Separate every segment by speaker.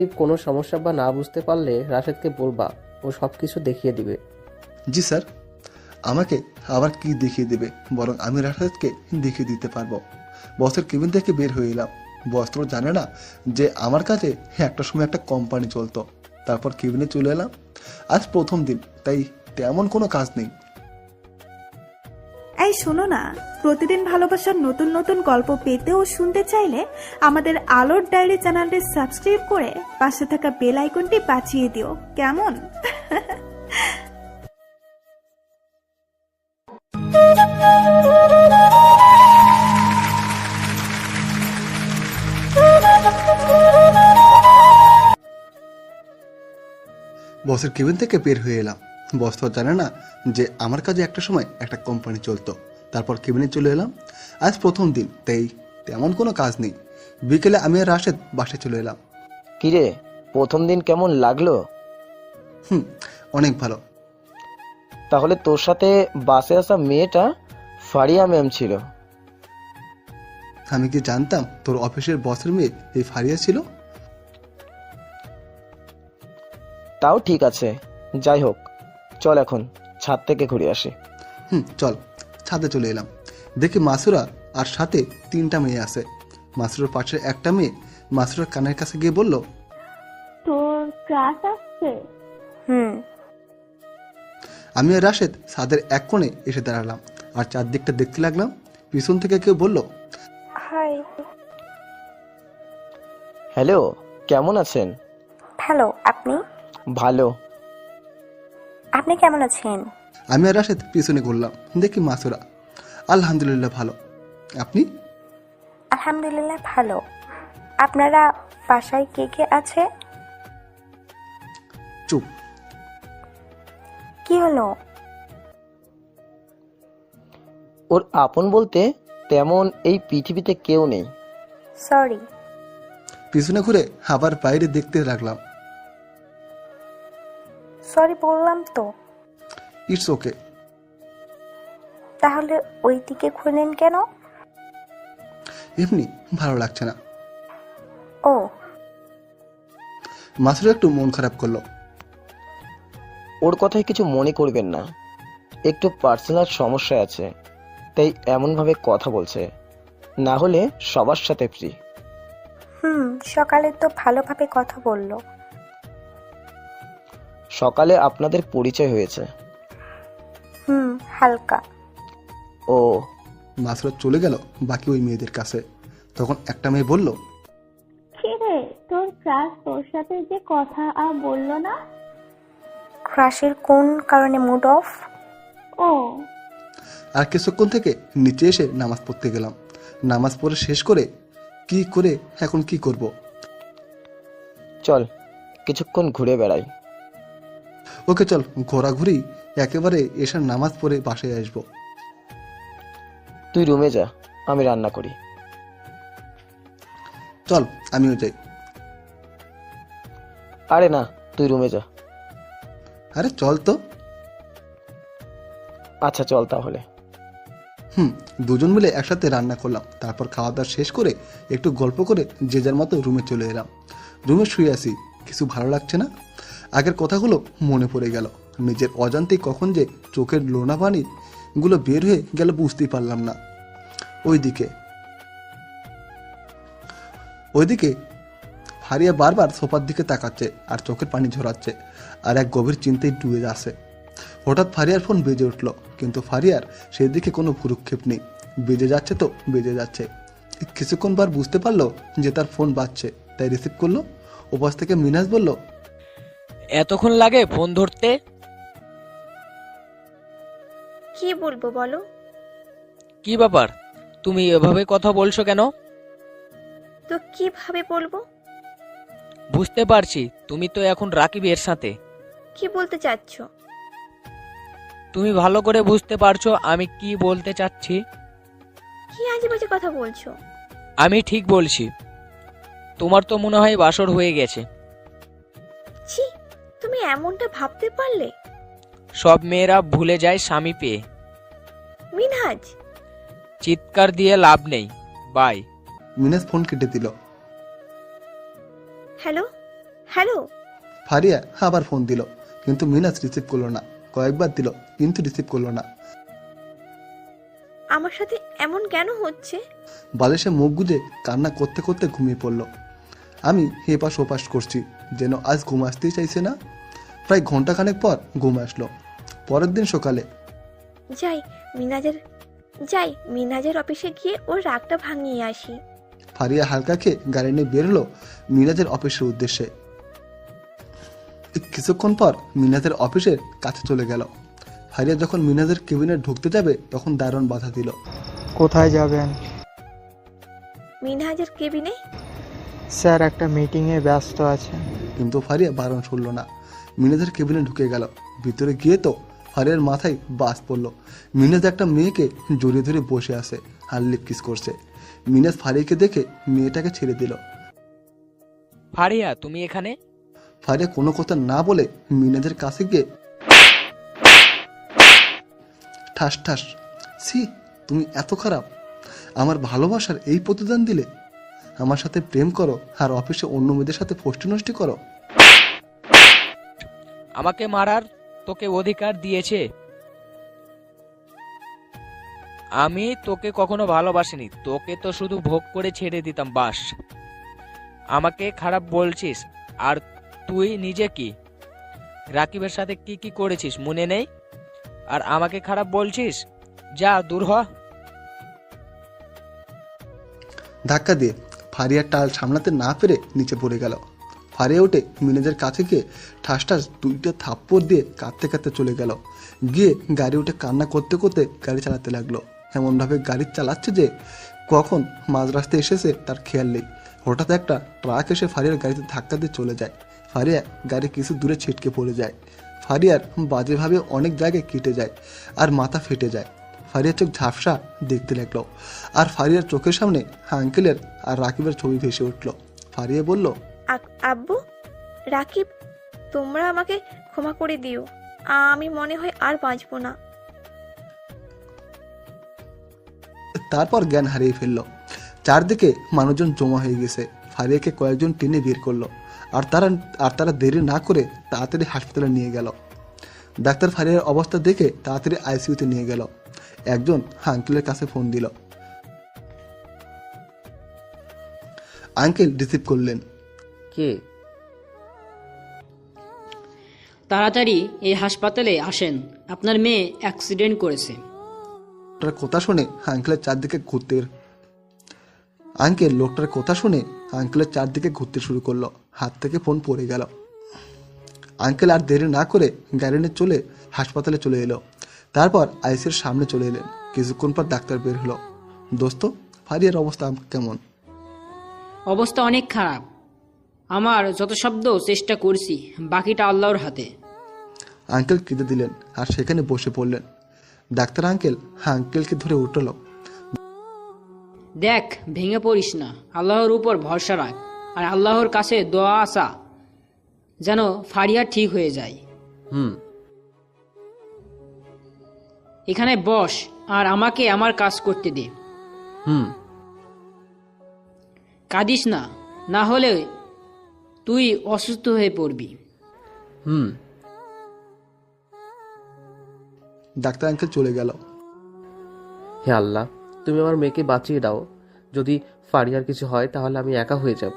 Speaker 1: কোনো সমস্যা বা না বুঝতে পারলে রাশেদকে বলবা, ও সবকিছু দেখিয়ে দিবে।
Speaker 2: জি স্যার। আমাকে আবার কি দেখিয়ে দেবে? বরং আমি রাশেদকে দেখিয়ে দিতে পারবো। বসের কেবিন থেকে বের হয়ে এলাম। বস তো জানে না যে আমার কাছে একটা সময় একটা কোম্পানি চলতো। তারপর কেবিনে চলে এলাম। আজ প্রথম দিন, তাই তেমন কোনো কাজ নেই।
Speaker 3: এই শোনো না, প্রতিদিন ভালোবাসার নতুন নতুন গল্প পেতে ও শুনতে চাইলে আমাদের আলোর ডায়েরি চ্যানেলটি সাবস্ক্রাইব করে পাশে থাকা বেল আইকনটি বাজিয়ে দিও, কেমন?
Speaker 2: বসের কেবিন থেকে বের হয়ে এলাম। বস তো জানে না যে আমার কাছে একটা সময় একটা কোম্পানি চলতো। তারপর কেবিনে চলে এলাম। আজ প্রথম দিন, তাই তেমন কোনো কাজ নেই। বিকেলে আমি আর রাশেদ বাসায় চলে এলাম।
Speaker 4: কিরে, প্রথম দিন কেমন লাগলো?
Speaker 2: অনেক ভালো।
Speaker 4: তাহলে তোর সাথে বাসে আসা মেয়েটা ফারিয়া ম্যাম ছিল?
Speaker 2: আমি কি জানতাম তোর অফিসের বসের মেয়ে এই ফারিয়া ছিল?
Speaker 4: তাও ঠিক আছে, যাই হোক, চল এখন ছাদ থেকে ঘুরে আসি।
Speaker 2: চল। ছাদে চলে এলাম। দেখি মাসুরা আর সাথে 3টা মেয়ে আছে। মাসুরার পাশে একটা মেয়ে মাসুরার কানের কাছে গিয়ে বলল,
Speaker 5: তোর ক্লাস আসছে?
Speaker 2: আমি আর রাশেদ ছাদের এক কোণে এসে দাঁড়ালাম আর চারদিকটা দেখতে লাগলাম। পিছন থেকে কেউ বলল,
Speaker 5: হাই।
Speaker 4: হ্যালো, কেমন আছেন?
Speaker 5: হ্যালো, আপনি?
Speaker 4: ভালো।
Speaker 5: আপনি কেমন আছেন?
Speaker 2: আমি আর রাশেদ পিছনে ঘুরলাম। দেখি মাসুরা। আলহামদুলিল্লাহ ভালো। আপনি?
Speaker 5: আলহামদুলিল্লাহ ভালো। আপনারা বাসায় কে কে আছে?
Speaker 2: চুপ।
Speaker 5: কি হলো?
Speaker 4: ওর আপন বলতে তেমন এই পৃথিবীতে কেউ নেই।
Speaker 5: সরি।
Speaker 2: পিছনে ঘুরে আবার বাইরে দেখতে লাগলাম।
Speaker 5: সরি বললাম তো।
Speaker 2: It's okay.
Speaker 5: তাহলে ওই দিকে ঘুরলেন কেন?
Speaker 2: এমনি ভালো লাগছে না।
Speaker 5: ও।
Speaker 2: মাসুরা একটু মন খারাপ করলো।
Speaker 4: ওর কথায় কিছু মনে করবেন না, একটু পার্সোনাল সমস্যা আছে, তাই এমনভাবে কথা বলছে, না হলে সবার সাথে ফ্রি।
Speaker 5: সকালে তো ভালোভাবে কথা বললো।
Speaker 4: সকালে আপনাদের পরিচয় হয়েছে?
Speaker 5: হালকা।
Speaker 4: ও।
Speaker 2: মাসুরা চলে গেল বাকি ওই মেয়েদের কাছে। তখন একটা মেয়ে বলল,
Speaker 5: রে, তোর ক্লাস তোর সাথে যে কথা আর বললো না? ক্রাশের কোন কারণে মুড অফ? ও।
Speaker 2: আর কিছুক্ষণ থেকে নিচে এসে নামাজ পড়তে গেলাম। নামাজ পড়ে শেষ করে এখন কি করব?
Speaker 4: চল কিছুক্ষণ ঘুরে বেড়াই।
Speaker 2: ওকে চল, ঘোরাঘুরি একেবারে এসার নামাজ পড়ে বাসায় আসবো।
Speaker 4: তুই রুমে যা, আমি রান্না করি।
Speaker 2: চল আমিও যাই।
Speaker 4: আরে না, তুই রুমে যা।
Speaker 2: আরে চল তো।
Speaker 4: আচ্ছা চল তাহলে।
Speaker 2: দুজন মিলে একসাথে রান্না করলাম। তারপর খাওয়া দাওয়া শেষ করে একটু গল্প করে যে যার মতো রুমে চলে এলাম। রুমে শুয়ে আছি, কিছু ভালো লাগছে না। আগের কথাগুলো মনে পড়ে গেল। নিজের অজান্তেই কখন যে চোখের লোনা পানি গুলো বের হয়ে গেল বুঝতেই পারলাম না। ওইদিকে ফারিয়া বারবার সোফার দিকে তাকাচ্ছে আর চোখের পানি ঝরাচ্ছে আর এক গভীর চিন্তায় ডুবে যাচ্ছে। হঠাৎ ফারিয়ার ফোন বেজে উঠল, কিন্তু ফারিয়ার সেই দিকে কোনো ভ্রুক্ষেপ নেই। বেজে যাচ্ছে তো বেজে যাচ্ছে। কিছুক্ষণ বার বুঝতে পারলো যে তার ফোন বাজছে, তাই রিসিভ করলো। ওপাশ থেকে মিনাজ বলল,
Speaker 6: এতক্ষণ লাগে ফোন ধরতে?
Speaker 7: কি বলবো বলো?
Speaker 6: কি ব্যাপার, তুমি এভাবে কথা বলছো কেন?
Speaker 7: তো কিভাবে বলবো?
Speaker 6: বুঝতে পারছি, তুমি তো এখন রাকিবের সাথে।
Speaker 7: কি বলতে চাচ্ছ?
Speaker 6: তুমি ভালো করে বুঝতে পারছো আমি কি বলতে চাচ্ছি?
Speaker 7: কি আজে বাজে কথা বলছো?
Speaker 6: আমি ঠিক বলছি। তোমার তো মনে হয় বাসর হয়ে গেছে।
Speaker 7: ছি, তুমি এমনটা ভাবতে পারলে?
Speaker 6: সব মেয়েরা ভুলে যায় স্বামী পেয়ে।
Speaker 7: মিনহাজ,
Speaker 6: চিৎকার দিয়ে লাভ নেই। বাই।
Speaker 2: মিনাজ ফোন কেটে দিল।
Speaker 7: Hello, hello.
Speaker 2: ফারিয়া আবার ফোন দিল, কিন্তু মিনাজ রিসিভ করলো না। কয়েকবার দিল, কিন্তু রিসিভ করলো না।
Speaker 7: আমার সাথে এমন কেন হচ্ছে?
Speaker 2: বালিশে মুখ গুজে কান্না করতে করতে ঘুমিয়ে পড়লো। আমি হেপাস ওপাস করছি, যেন আজ ঘুম আসতেই চাইছে না। প্রায় ঘন্টাখানেক পর ঘুম আসলো। পরের দিন সকালে
Speaker 7: যাই মিনাজের অফিসে গিয়ে ওর রাগটা ভাঙিয়ে আসি।
Speaker 2: ফারিয়া হালকা খেয়ে গাড়ি নিয়ে বের হলো মিনাজের অফিসের উদ্দেশ্যে। কিছুক্ষণ পর মিনাজের অফিসের কাছে চলে গেল। ফারিয়া যখন মিনাজের কেবিনে ঢুকতে যাবে তখন দারুণ বাধা দিল।
Speaker 8: কোথায় যাবেন?
Speaker 7: মিনহাজের কেবিনে।
Speaker 8: স্যার একটা মিটিংয়ে ব্যস্ত আছে।
Speaker 2: কিন্তু ফারিয়া বারণ শুনল না। মিনাজের কেবিনে ঢুকে গেল। ভিতরে গিয়ে তো ফারিয়ার মাথায় বাজ পড়ল। মিনাজ একটা মেয়েকে জড়িয়ে ধরে বসে আছে, আর লিপ কিস করছে। মিনাজ ফারিয়াকে দেখে মেয়েটাকে ছেড়ে দিল।
Speaker 6: ফারিয়া, তুমি এখানে?
Speaker 2: ফারিয়া কোনো কথা না বলে মিনাজের কাছে গিয়ে ঠাস ঠাস। ছি, তুমি এত খারাপ! আমার ভালোবাসার এই প্রতিদান দিলে? আমার সাথে প্রেম করো আর অফিসে অন্য মেয়েদের সাথে ফষ্টি নষ্টি করো?
Speaker 6: আমাকে মারার তোকে অধিকার দিয়েছে? আমি তোকে কখনো ভালোবাসিনি, তোকে তো শুধু ভোগ করে ছেড়ে দিতাম বাস। আমাকে খারাপ বলছিস? আর তুই নিজে কি রাকিবের সাথে কি কি করেছিস মনে নেই? আর আমাকে খারাপ বলছিস? যা দূর হ।
Speaker 2: ধাক্কা দিয়ে ফারিয়ার টাল সামলাতে না পেরে নিচে পড়ে গেল। ফারিয়া উঠে মিনাজের কাছে গিয়ে ঠাস ঠাস দুইটা থাপ্পড় দিয়ে কাঁদতে কাঁদতে চলে গেল। গিয়ে গাড়ি উঠে কান্না করতে করতে গাড়ি চালাতে লাগলো। এমনভাবে গাড়ি চালাচ্ছে যে কখন মাঝ রাস্তায় এসেছে তার খেয়াল নেই। হঠাৎ একটা ট্রাক এসে ফারিয়ার গাড়িতে ধাক্কা দিয়ে চলে যায়। ফারিয়া গাড়ি কিছু দূরে ছিটকে পড়ে যায়। ফারিয়ার বাজেভাবে অনেক জায়গায় কেটে যায় আর মাথা ফেটে যায়। ফারিয়ার চোখ ঝাপসা দেখতে লাগলো, আর ফারিয়ার চোখের সামনে আঙ্কেলের আর রাকিবের ছবি ভেসে উঠল। ফারিয়া বলল,
Speaker 7: আব্বু, রাকিব, তোমরা আমাকে ক্ষমা করে দিও। আমি মনে হয় আর বাঁচবো না।
Speaker 2: তারপর জ্ঞান হারিয়ে ফেলল। চারদিকে মানুষজন জমা হয়ে গেছে। ফারিয়াকে কয়েকজন টেনে বের করলো, আর তারা দেরি না করে তাড়াতাড়ি হাসপাতালে নিয়ে গেল। ডাক্তার ফারিয়ার অবস্থা দেখে তাড়াতাড়ি আইসিইউতে নিয়ে গেল। একজন আঙ্কেলের কাছে ফোন দিল। আঙ্কেল রিসিভ করলেন।
Speaker 1: কে?
Speaker 9: তাড়াতাড়ি এই হাসপাতালে আসেন, আপনার মেয়ে অ্যাক্সিডেন্ট করেছে।
Speaker 2: লোকটার কথা শুনে আঙ্কেলের চারদিকে ঘুরতে শুরু করলো। হাত থেকে ফোন পড়ে গেল। আঙ্কেল আর দেরি না করে গাড়ি নিয়ে চলে হাসপাতালে চলে এলো। তারপর আইসির সামনে চলে এলেন। কিছুক্ষণ পর ডাক্তার বের হলো। দোস্ত, ফারিয়ার অবস্থা কেমন?
Speaker 9: অবস্থা অনেক খারাপ। আমার যত শব্দ চেষ্টা করছি, বাকিটা আল্লাহর হাতে।
Speaker 2: আঙ্কেল কেঁদে দিলেন আর সেখানে বসে পড়লেন। ডাক্তার আঙ্কেলকে ধরে উঠল।
Speaker 9: দেখ, ভেঙে পড়িস না, আল্লাহর উপর ভরসা রাখ, আর আল্লাহর কাছে দোয়া আসা যেন ফারিয়া ঠিক হয়ে যায়। এখানে বস আর আমাকে আমার কাজ করতে দে। কাঁদিস না, না হলে তুই অসুস্থ হয়ে পড়বি।
Speaker 2: ডাক্তার আঙ্কেল চলে গেল।
Speaker 1: হে আল্লাহ, তুমি আমার মেয়েকে বাঁচিয়ে দাও। যদি ফারিয়ার কিছু হয় তাহলে আমি একা হয়ে যাব।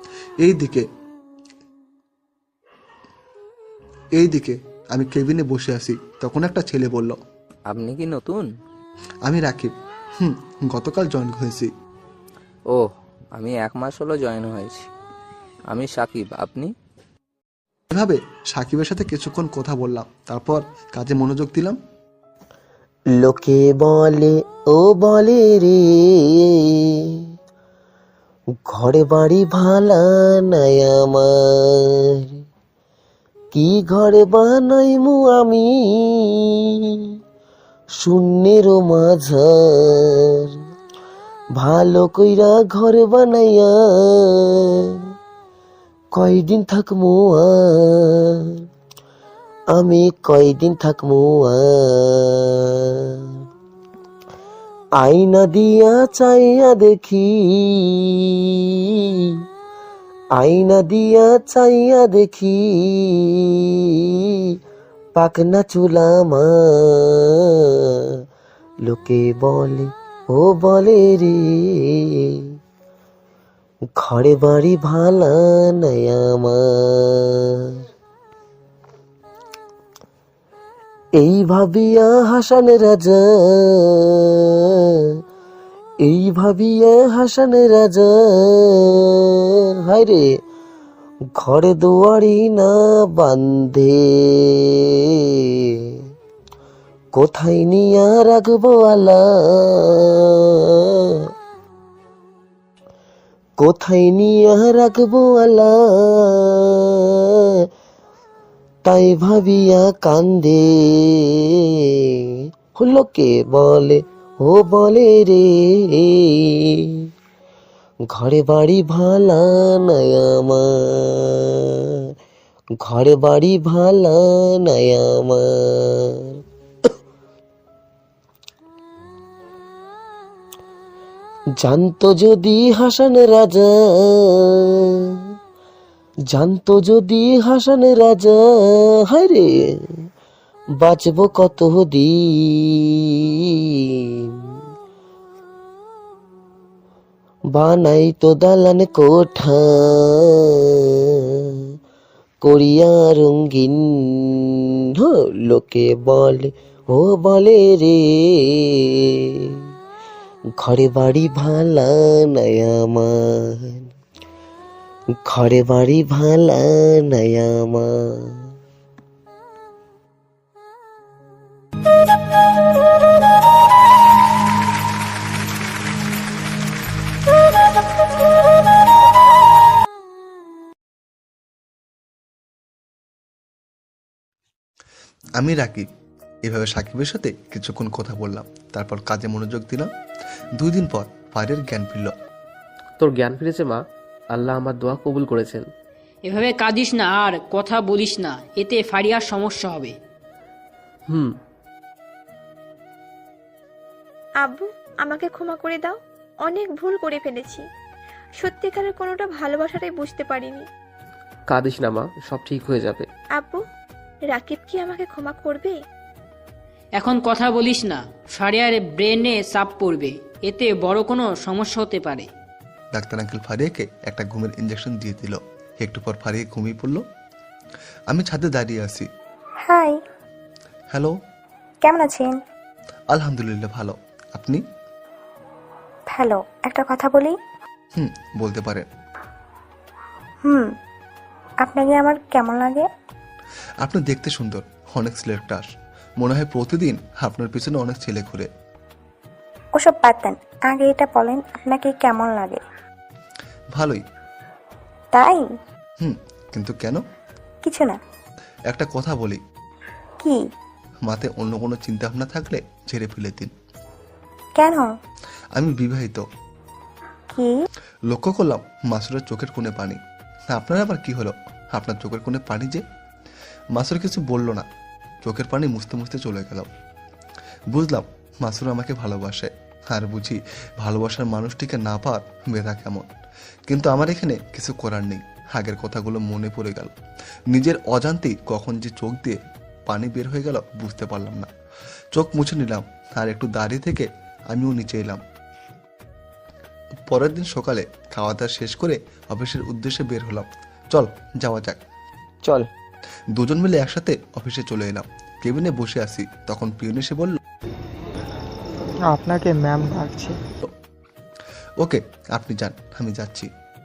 Speaker 2: এইদিকে আমি কেবিনে বসে আছি, তখন একটা ছেলে বলল,
Speaker 10: আপনি কি নতুন?
Speaker 2: আমি রাকিব। গতকাল জয়েন হয়েছি।
Speaker 10: ও, আমি 1 মাস হলো জয়েন হয়েছি। আমি সাকিব, আপনি?
Speaker 2: এভাবে সাকিবের সাথে কিছুক্ষণ কথা বললাম, তারপর কাজে মনোযোগ দিলাম।
Speaker 11: লোকে বলে ও বলে রে, ঘরে বাড়ি ভালা নাই আমার, কি ঘরে বানাইমু আমি শূন্যের মাঝার, ভালো কইরা ঘর বানাইয়া কয়দিন থাকমু আর, আমি কয়দিন থাকমু আর, আয়না দিয়া চাইয়া দেখি আয়না দিয়া চাইয়া দেখি পাকনা চুলা আমার, লোকে বলে ও বলে রে ঘরে বাড়ি ভালা নাই আমার। এই ভাবিয়া হাসান রাজা, এই ভাবিয়া হাসান রাজা, হায় রে ঘরে দুয়ারি না বান্ধে, কোথায় নিয়া রাখবো আলা, কোথায় নিয়া রাখবো আলা, তাই ভাবিয়া কান্দে। লোকে বলে ও বলে রে ঘরে বাড়ি ভালা নাই আমার, ঘরে বাড়ি ভালা নাই আমার। জানতো যদি হাসান রাজা, জানতো যদি হাসান রাজা, হায় রে বাঁচবো কত দিন, বানাই তো দালান কোঠা করিয়া রঙ্গিন। লোকে বলে ও বলে রে ঘরে বাড়ি ভালা নাই আমার, ঘরে বাড়ি ভালা নাই আমার।
Speaker 2: আমি রাকিব। এভাবে সাকিবের সাথে কিছুক্ষণ কথা বললাম, তারপর কাজে মনোযোগ দিলাম। 2 দিন পর ফারিয়ার জ্ঞান ফিরল।
Speaker 1: তোর জ্ঞান ফিরেছে মা, আল্লাহ আমার দোয়া কবুল করেছেন।
Speaker 9: এভাবে কাঁদিস না আর কথা বলিস না, এতে ফারিয়ার সমস্যা হবে।
Speaker 7: আব্বু, আমাকে ক্ষমা করে দাও, অনেক ভুল করে ফেলেছি। সত্যিকারের কোনোটা ভালোবাসাটাই বুঝতে পারিনি।
Speaker 1: কাঁদিস না মা, সব ঠিক হয়ে যাবে।
Speaker 7: আব্বু, রাকিব কি আমাকে ক্ষমা করবে?
Speaker 9: এখন কথা বলিস না, ফারিয়ার ব্রেনে চাপ পড়বে, এতে বড় কোনো সমস্যা হতে পারে।
Speaker 2: ডাক্তার আঙ্কেল ফারিয়াকে একটা ঘুমের ইঞ্জেকশন দিয়ে দিল। একটু পর ফারিয়া ঘুমিয়ে পড়ল। আমি ছাদে দাঁড়িয়ে আছি।
Speaker 5: হাই,
Speaker 2: হ্যালো,
Speaker 5: কেমন আছেন?
Speaker 2: আলহামদুলিল্লাহ ভালো, আপনি?
Speaker 5: ভালো। একটা কথা বলি?
Speaker 2: বলতে পারেন।
Speaker 5: আপনাকে আমার কেমন লাগে?
Speaker 2: আপনি দেখতে সুন্দর, অনেক ছেলের ক্রাশ। মনে হয় প্রতিদিন আপনার পিছনে অনেক ছেলে ঘুরে।
Speaker 5: ওসব বাদ দেন, আগে এটা বলেন আপনাকে কেমন লাগে?
Speaker 2: ভালোই।
Speaker 5: তাই?
Speaker 2: কিন্তু কেন?
Speaker 5: কিছু না।
Speaker 2: একটা কথা বলি।
Speaker 5: কি?
Speaker 2: মাথায় অন্য কোনো চিন্তা ভাবনা থাকলে ঝেড়ে ফেলে দিন।
Speaker 5: কেন?
Speaker 2: আমি বিবাহিত।
Speaker 5: কি?
Speaker 2: লক্ষ্য করলাম মাসুরের চোখের কোণে পানি। আপনার আবার কি হলো? আপনার চোখের কোণে পানি যে? মাসুর কিছু বলল না, চোখের পানি মুছতে মুছতে চলে গেল। বুঝলাম মাসুর আমাকে ভালোবাসে, আর বুঝি ভালোবাসার মানুষটিকে না পাওয়ার ব্যথা কেমন। কিন্তু আমার এখানে কিছু করার নেই। আগের কথাগুলো মনে পড়ে গেল। নিজের অজান্তেই কখন যে চোখ দিয়ে পানি বের হয়ে গেল বুঝতে পারলাম না। চোখ মুছে নিলাম আর একটু দাঁড়িয়ে থেকে আমিও নিচে এলাম। পরের দিন সকালে খাওয়া দাওয়া শেষ করে অফিসের উদ্দেশ্যে বের হলাম। চল যাওয়া যাক।
Speaker 4: চল।
Speaker 2: দুজন মিলে একসাথে অফিসে চলে এলাম। কেবিনে বসে আছি, তখন পিয়ন এসে বলল,
Speaker 8: আপনাকে ম্যাম ডাকছে।
Speaker 2: ওকে, আপনি যান, আমি যাচ্ছি।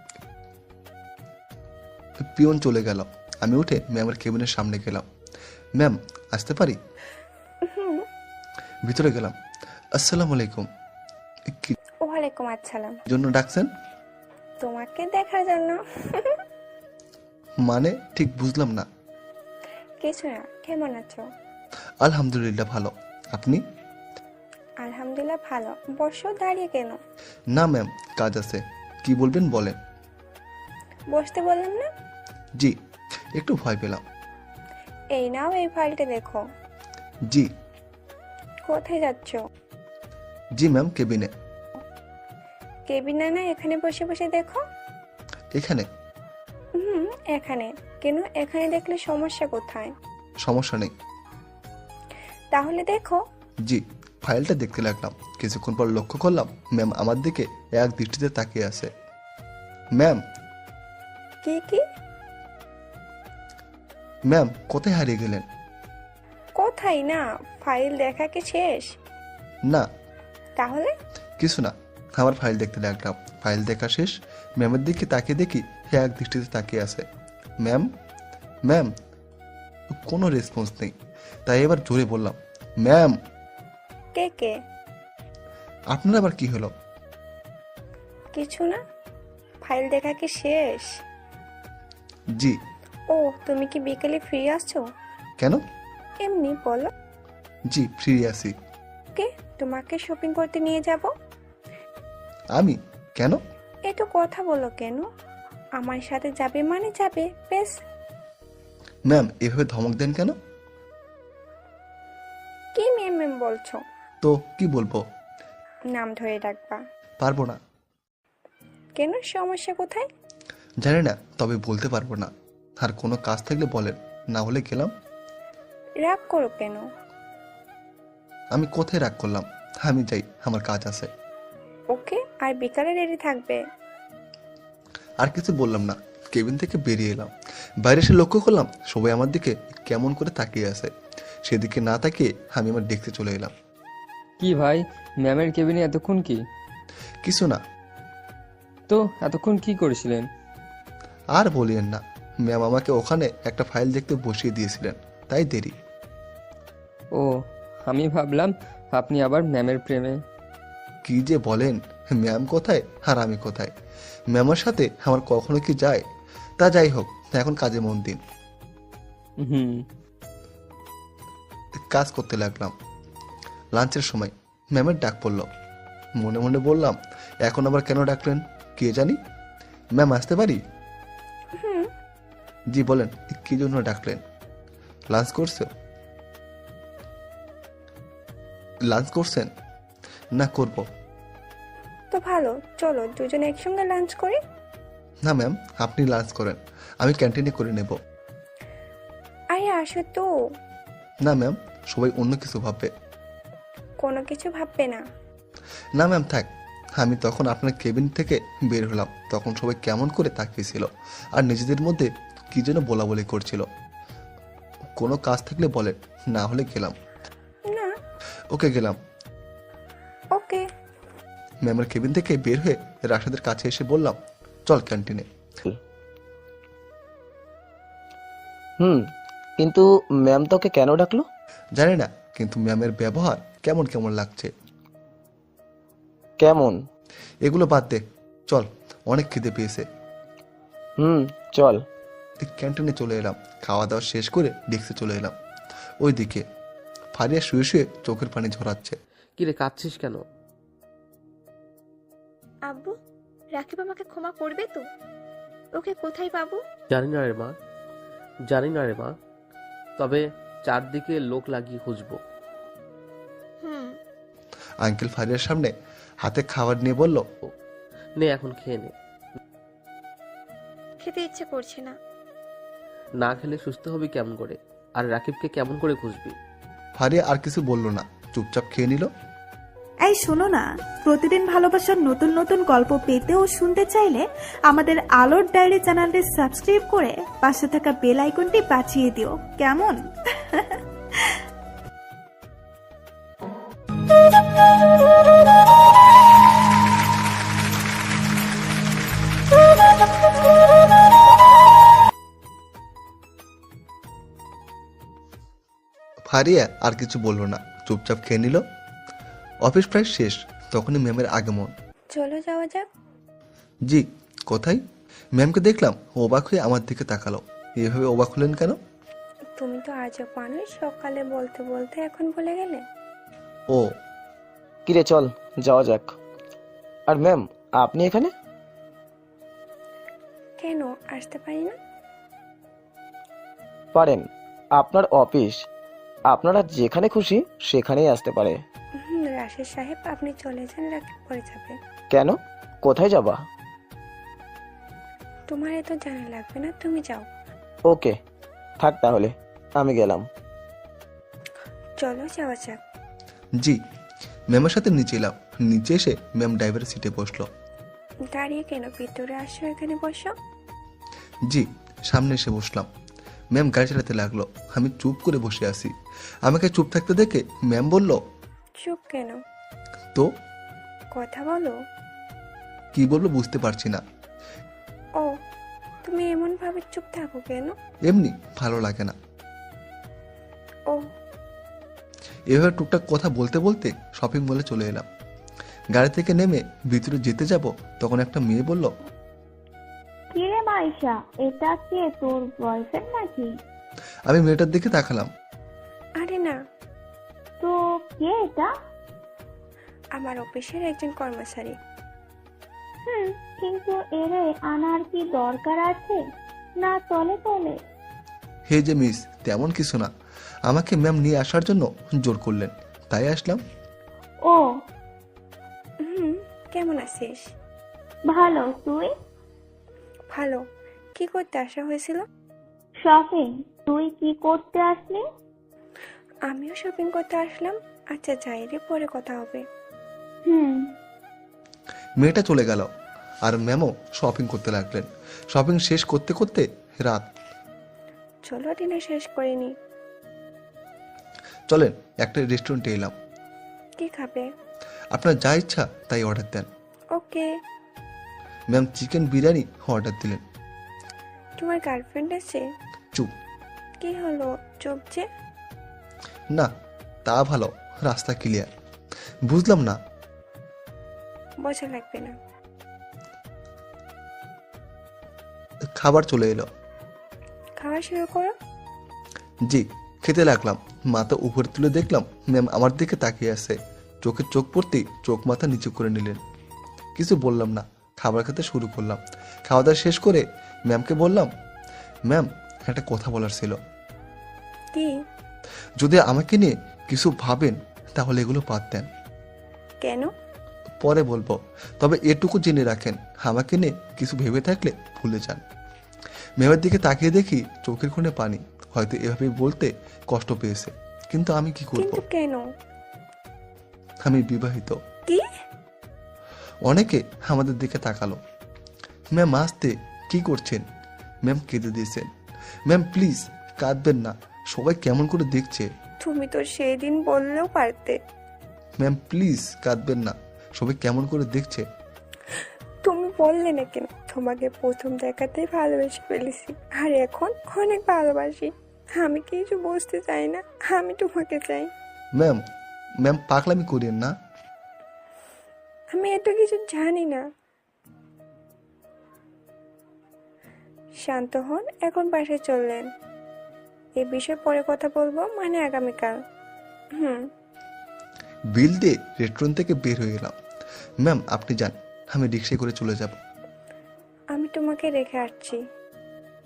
Speaker 2: পিয়ন চলে গেল। আমি উঠে ম্যামের কেবিনের সামনে গেলাম। ম্যাম, আসতে পারি? ভিতরে গেলাম। আসসালামু আলাইকুম। কি
Speaker 5: ওয়ালাইকুম আসসালাম।
Speaker 2: জন্য ডাকছেন?
Speaker 5: তোমাকে দেখার জন্য।
Speaker 2: মানে ঠিক বুঝলাম না।
Speaker 5: কিছু না। কেমন আছো?
Speaker 2: আলহামদুলিল্লাহ ভালো, আপনি?
Speaker 5: আলহামদুলিল্লাহ ভালো। বসো, দাঁড়িয়ে কেন?
Speaker 2: না ম্যাম, কাজ আছে। কি বলবেন বলেন।
Speaker 5: বসতে বললাম না?
Speaker 2: জি, একটু ভয় পেলাম।
Speaker 5: এই নাও, এই ফাইলটা দেখো।
Speaker 2: জি।
Speaker 5: কোথায় যাচ্ছ?
Speaker 2: জি ম্যাম, কেবিনে।
Speaker 5: কেবিনে না, এখানে বসে বসে দেখো।
Speaker 2: এখানে?
Speaker 7: এখানে। কেন এখানে দেখলে সমস্যা কোথায়?
Speaker 2: সমস্যা নেই।
Speaker 7: তাহলে দেখো।
Speaker 2: জি, ফাইলটা দেখতে লাগলাম। কিছুক্ষণ পর লক্ষ্য করলাম ম্যাম আমার দিকে এক দৃষ্টিতে তাকিয়ে আছে। ম্যাম,
Speaker 7: কি কি?
Speaker 2: ম্যাম কোথায় হারিয়ে গেলেন?
Speaker 7: কোথায় না, ফাইল দেখা কি শেষ?
Speaker 2: না,
Speaker 7: তাহলে?
Speaker 2: কিছু না, আমার ফাইল দেখতে লাগলাম। ফাইল দেখা শেষ, ম্যামের দিকে তাকিয়ে দেখি এক দৃষ্টিতে তাকিয়ে আছে। ম্যাম, ম্যাম, কোনো রেসপন্স নেই। তাই এবার জোরে বললাম, ম্যাম।
Speaker 7: কে কে?
Speaker 2: আপনার আবার কি হলো?
Speaker 7: কিছু না। ফাইল দেখা কি শেষ?
Speaker 2: জি।
Speaker 7: ও, তুমি কি বিকেলে ফ্রি আসছো?
Speaker 2: কেন?
Speaker 7: এমনি বলো।
Speaker 2: জি, ফ্রি আছি।
Speaker 7: কে তোমাকে শপিং করতে নিয়ে যাব?
Speaker 2: আমি? কেন?
Speaker 7: একটু কথা বলো কেন? আমার সাথে যাবে মানে যাবে, বেশ।
Speaker 2: ম্যাম এভাবে ধমক দেন কেন?
Speaker 7: কি ম্যাম ম্যাম বলছো?
Speaker 2: তো কি বলবো?
Speaker 7: নাম ধরে ডাকবা।
Speaker 2: পারবো না।
Speaker 7: কেন, সমস্যা কোথায়?
Speaker 2: জানি না, তবে বলতে পারবো না। আর কোনো কাজ থাকলে বলেন, না হলে গেলাম।
Speaker 7: রাগ করো কেন?
Speaker 2: আমি কোথায় রাগ করলাম? আমি যাই, আমার কাজ আছে।
Speaker 7: ওকে, আর বিকালে রেডি থাকবে।
Speaker 2: আর কিছু বললাম না, কেবিন থেকে বেরিয়ে এলাম। বাইরে এসে লক্ষ্য করলাম সবাই আমার দিকে কেমন করে তাকিয়ে আছে। সেদিকে না তাকিয়ে আমি আমার দেখতে চলে এলাম।
Speaker 12: কি ভাই, ম্যামের কেবিনে এতক্ষণ কি?
Speaker 2: কিছু না।
Speaker 12: তো এতক্ষণ কি করেছিলেন?
Speaker 2: আর বলিয়েন না, ম্যাম আমাকে ওখানে একটা ফাইল দেখতে বসিয়ে দিয়েছিলেন, তাই দেরি।
Speaker 12: ও, আমি ভাবলাম আপনি আবার ম্যামের প্রেমে।
Speaker 2: কি যে বলেন, ম্যাম কোথায় আর আমি কোথায়? ম্যামের সাথে আমার কখনো কি যায়? তা যাই হোক, এখন কাজে মন দিন। কাজ করতে লাগলাম। লাঞ্চের সময় ম্যামের ডাক পড়ল। মনে মনে বললাম, এখন আবার কেন ডাকলেন কে জানি। ম্যাম আসতে পারি? জি বলেন, কি জন্য ডাকলেন? লাঞ্চ করছেন? না, করব।
Speaker 7: তো ভালো, চলো দুজনে একসঙ্গে লাঞ্চ করি।
Speaker 2: না ম্যাম, আপনি লাঞ্চ করেন, আমি ক্যান্টিনে করে নেব।
Speaker 7: আরে আসো তো।
Speaker 2: না ম্যাম, সবাই অন্য কিছু ভাববে।
Speaker 7: কোনো কিছু ভাববে না।
Speaker 2: না ম্যাম থাক। আমি তখন আপনার কেবিন থেকে বের হলাম, তখন সবাই কেমন করে তাকিয়েছিল আর নিজেদের মধ্যে কি যেন বলা বলি করছিল। কোনো কাজ থাকলে বলেন, না হলে গেলাম।
Speaker 7: না।
Speaker 2: ওকে, গেলাম।
Speaker 7: ওকে।
Speaker 2: ম্যামের কেবিন থেকে বের হয়ে রাশেদের কাছে এসে বললাম, চল ক্যান্টিনে।
Speaker 4: কিন্তু ম্যাম তোকে কেন ডাকলো?
Speaker 2: জানি না, কিন্তু ম্যামের ব্যবহার কেমন কেমন লাগছে।
Speaker 4: কেমন?
Speaker 2: এগুলো বাদ দে, চল, অনেক খিদে পেয়েছে।
Speaker 4: চল।
Speaker 2: ক্যান্টিনে চলে এলাম। খাওয়া দাওয়া শেষ করে ডেস্কে চলে এলাম। ওইদিকে ফারিয়া শুয়ে শুয়ে চোখের পানি ঝরাচ্ছে।
Speaker 1: কিরে, কাঁদছিস কেন?
Speaker 7: আব্বু, রাকিব আমাকে ক্ষমা করবে তো? ওকে কোথায় পাবো?
Speaker 1: জানি না রে মা, তবে চারদিকে লোক লাগিয়ে খুঁজবো।
Speaker 2: আঙ্কেল ফারিয়ার সামনে হাতে খাবার নিয়ে বলল,
Speaker 1: নে এখন খেয়ে নে।
Speaker 7: খেতে ইচ্ছে করছে না।
Speaker 1: না খেলে সুস্থ হবি কেমন করে? আর রাকিবকে কেমন করে খুঁজবি?
Speaker 2: ফারিয়া আর কিছু বলল না, চুপচাপ খেয়ে নিল।
Speaker 3: এই শোনো না, প্রতিদিন ভালোবাসার নতুন নতুন গল্প পেতে ও শুনতে চাইলে আমাদের আলোর ডায়েরি চ্যানেলটি সাবস্ক্রাইব করে পাশে থাকা বেল আইকনটি বাজিয়ে দিও, কেমন?
Speaker 2: ফারিয়া আর কিছু বলল না, চুপচাপ খেয়ে নিল। অফিস প্রায় শেষ, তখনই ম্যামের আগমন।
Speaker 7: চলো যাওয়া যাক।
Speaker 2: জি, কোথায়? ম্যামকে দেখলাম অবাক হয়ে আমার দিকে তাকালো। এভাবে অবাক হলেন কেন?
Speaker 7: তুমি তো আজব মানুষ, সকালে বলতে বলতে এখন ভুলে গেলে।
Speaker 2: ও,
Speaker 4: কিরে চল যাওয়া যাক। আর ম্যাম, আপনি এখানে?
Speaker 7: কেন আসতে পারি না?
Speaker 4: পারেন, আপনার অফিস, আপনারা যেখানে খুশি সেখানেই আসতে পারে।
Speaker 7: রাশেদ সাহেব, আপনি চলে যান, রাকিব পরে যাবে।
Speaker 4: কেন? কোথায় যাবা?
Speaker 7: তোমার এত জানা লাগবে না, তুমি যাও।
Speaker 4: ওকে, থাক তাহলে, আমি গেলাম।
Speaker 7: চলো যাওয়া যাক।
Speaker 2: জি। ম্যামের সাথে নিচে এলাম। নিচে এসে ম্যাম ড্রাইভারের সিটে বসলো।
Speaker 7: দাঁড়িয়ে কেন, ভিতরে আসো, এখানে বসো।
Speaker 2: জি। সামনে এসে বসলাম। ম্যাম গাড়ি চালাতে লাগলো। আমি চুপ করে বসে আছি। আমাকে চুপ থাকতে দেখে ম্যাম বলল,
Speaker 7: চুপ কেন?
Speaker 2: তো
Speaker 7: কথা বলো।
Speaker 2: কি বলবো বুঝতে পারছি না।
Speaker 7: ও, তুমি এমন ভাবে চুপ থাকো কেন?
Speaker 2: এমনি ভালো লাগে না।
Speaker 7: ও,
Speaker 2: এভাবে টুকটাক কথা বলতে বলতে শপিং মলে চলে এলাম। গাড়ি থেকে নেমে ভিতরে যেতে যাব, তখন একটা মেয়ে বলল,
Speaker 5: কিরে মাইশা, এটা কে, তোর বয়ফ্রেন্ড নাকি?
Speaker 2: আমি মেয়েটার দিকে তাকালাম।
Speaker 7: আরে না,
Speaker 5: তো কে এটা?
Speaker 7: আমার অফিসের একজন কর্মচারী।
Speaker 5: কিন্তু এরে আনার কি দরকার আছে? না তলে তলে।
Speaker 2: হে যে মিস, তেমন কিছু না। আমাকে ম্যাম নিয়ে আসার জন্য জোর করলেন, তাই আসলাম।
Speaker 5: ও,
Speaker 7: কেমন আছিস?
Speaker 5: ভালো, তুই?
Speaker 7: ভালো। কি করতে আসা হয়েছিল?
Speaker 5: শপিং। তুই কি করতে আসলি?
Speaker 7: আমিও শপিং করতে আসলাম। আচ্ছা যাই রে, পরে কথা হবে।
Speaker 2: মেয়েটা চলে গেল আর ম্যামও শপিং করতে লাগলেন। শপিং শেষ করতে করতে রাত।
Speaker 7: চলো ডিনার শেষ করিনি।
Speaker 2: চলেন একটা রেস্টুরেন্টে এলাম।
Speaker 7: কি খাবে?
Speaker 2: আপনার যা ইচ্ছা তাই অর্ডার দেন।
Speaker 7: Okay.
Speaker 2: Ma'am chicken biryani order দিলেন।
Speaker 7: তোমার গার্লফ্রেন্ড আছে?
Speaker 2: চুপ।
Speaker 7: কি হলো চুপ যে?
Speaker 2: না, তা ভালো, রাস্তা ক্লিয়ার। বুঝলাম না।
Speaker 7: বোঝা লাগবে না।
Speaker 2: খাবার চলে এলো।
Speaker 7: খাওয়া শুরু করো।
Speaker 2: জি। খেতে লাগলাম। মাথা উপরে তুলে দেখলাম ম্যাম আমার দিকে তাকিয়ে আছে। চোখে চোখ পড়তেই চোখ মাথা নিচু করে নিলেন। কিছু বললাম না, খাবার খেতে শুরু করলাম। খাওয়া দাওয়া শেষ করে ম্যামকে বললাম, ম্যাম একটা কথা বলার ছিল।
Speaker 7: কি?
Speaker 2: যদি আমাকে নিয়ে কিছু ভাবেন তাহলে এগুলো বাদ দেন।
Speaker 7: কেন?
Speaker 2: পরে বলবো, তবে এটুকু জেনে রাখেন, আমাকে নিয়ে কিছু ভেবে থাকলে ভুলে যান। ম্যামের দিকে তাকিয়ে দেখি চোখের কোণে পানি। হয়তো এভাবে বলতে কষ্ট পেয়েছে, কিন্তু আমি কি করব?
Speaker 7: কিন্তু কেন?
Speaker 2: আমি বিবাহিত।
Speaker 7: কি?
Speaker 2: অনেকে আমাদের দিকে তাকালো। ম্যাম আসতে কি করছেন? ম্যাম কেঁদে দিয়েছেন। ম্যাম প্লিজ কাঁদবেন না, সবাই কেমন করে দেখছে।
Speaker 7: তুমি তো সেই দিন বললেও পারতে।
Speaker 2: ম্যাম প্লিজ কাঁদবেন না, সবাই কেমন করে দেখছে।
Speaker 7: তুমি বললে না কেন তোমাকে প্রথম দেখাতেই ভালোবেসে ফেলেছি, আর এখন অনেক ভালোবাসি। আমি কিছু বুঝতে চাই না, আমি তোমাকে চাই।
Speaker 2: ম্যাম ম্যাম পাগলামি করেন না।
Speaker 7: আমি এত কিছু জানি না। শান্ত হন, এখন বাসায় চললেন। এই বিষয়ে পরে কথা বলবো, মানে আগামীকাল।
Speaker 2: বিল দিয়ে রেস্টুরেন্ট থেকে বের হয়ে গেলাম। ম্যাম আপনি যান, আমি রিক্সায় করে চলে যাব।
Speaker 7: আমি তোমাকে রেখে আসছি।